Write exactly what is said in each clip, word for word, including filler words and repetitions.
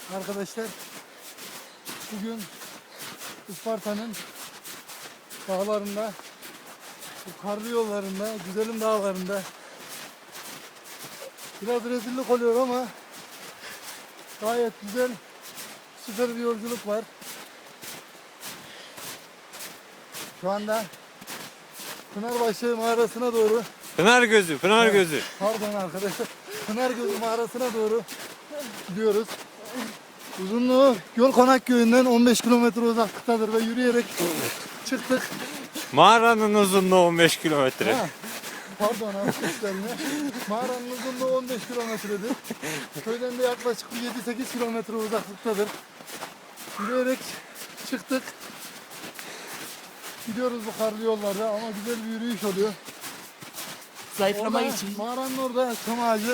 Arkadaşlar bugün Isparta'nın dağlarında, bu karlı yollarında, güzelim dağlarında biraz rezillik oluyor ama gayet güzel, süper bir yolculuk var. Şu anda Pınarbaşı mağarasına doğru, Pınar gözü, Pınar Evet. gözü. pardon arkadaşlar, Pınargözü mağarasına doğru gidiyoruz. Uzunluğu Yol Konak köyünden on beş kilometre uzaklıktadır ve yürüyerek çıktık. Mağaranın uzunluğu on beş kilometre. Ha, pardon arkadaşlar yine. Mağaranın uzunluğu on beş kilometredir. Köyden de yaklaşık yedi sekiz kilometre uzaklıktadır. Yürüyerek çıktık. Gidiyoruz bu karlı yollarda ama güzel bir yürüyüş oluyor. Zayıflamak Orada, için. mağaranın orada çam ağacı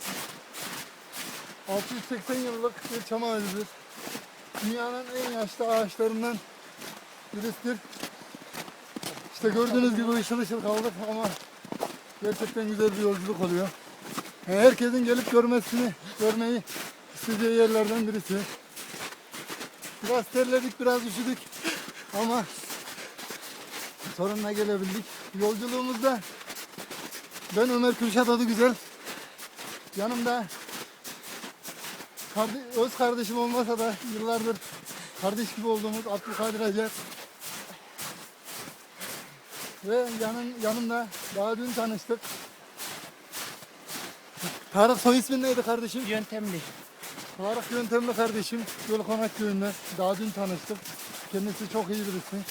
altı yüz seksen yıllık bir çam ağacıdır. Dünyanın en yaşlı ağaçlarından birisidir. İşte gördüğünüz gibi ışıl ışıl kaldık ama gerçekten güzel bir yolculuk oluyor. Yani herkesin gelip görmesini, görmeyi isteyeceği yerlerden birisi. Biraz terledik, biraz üşüdük ama sonuna gelebildik. Yolculuğumuzda ben Ömer Kürşat Adıgüzel, yanımda kardeş, öz kardeşim olmasa da yıllardır kardeş gibi olduğumuz Abdülkadir Acar ve yanın, yanımda daha dün tanıştık. Tarık, soy ismin neydi kardeşim? Yöntemli. Tarık Yöntemli kardeşim, Yol Konak köyünde daha dün tanıştık. Kendisi çok iyi birisi.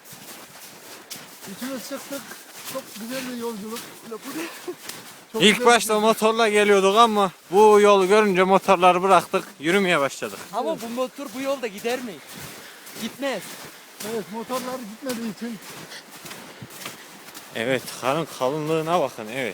Üçümüz çıktık. Çok güzel bir yolculuk. Çok İlk güzel başta bir- motorla geliyorduk ama bu yolu görünce motorları bıraktık, yürümeye başladık. Ama bu motor bu yolda gider mi? Gitmez. Evet, motorlar gitmediği için Evet, karın kalınlığına bakın, evet.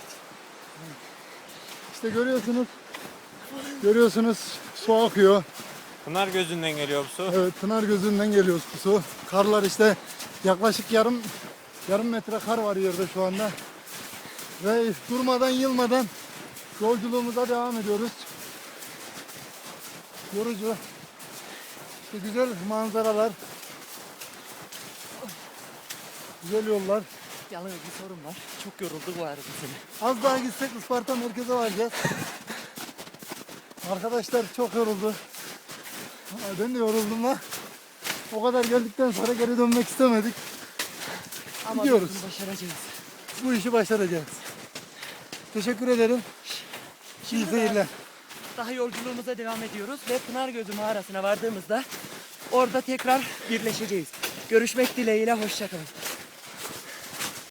işte görüyorsunuz. Görüyorsunuz su akıyor. Pınar gözünden geliyor bu su. Evet, Pınar gözünden geliyor bu su. Karlar işte yaklaşık yarım yarım metre kar var yerde şu anda. Ve durmadan yılmadan yolculuğumuza devam ediyoruz. Yorucu. İşte güzel manzaralar. Güzel yollar. Yalnız bir sorun var. Çok yorulduk bu arada seni. Az daha gitsek Isparta merkeze varacağız. Arkadaşlar çok yoruldu. Aa, Ben de yoruldum ha. O kadar geldikten sonra geri dönmek istemedik. Ama Gidiyoruz. biz bunu başaracağız. Bu işi başaracağız. Teşekkür ederim. İyi Şimdi seyirler. Daha yolculuğumuza devam ediyoruz ve Pınargözü mağarasına vardığımızda orada tekrar birleşeceğiz. Görüşmek dileğiyle, hoşça kalın.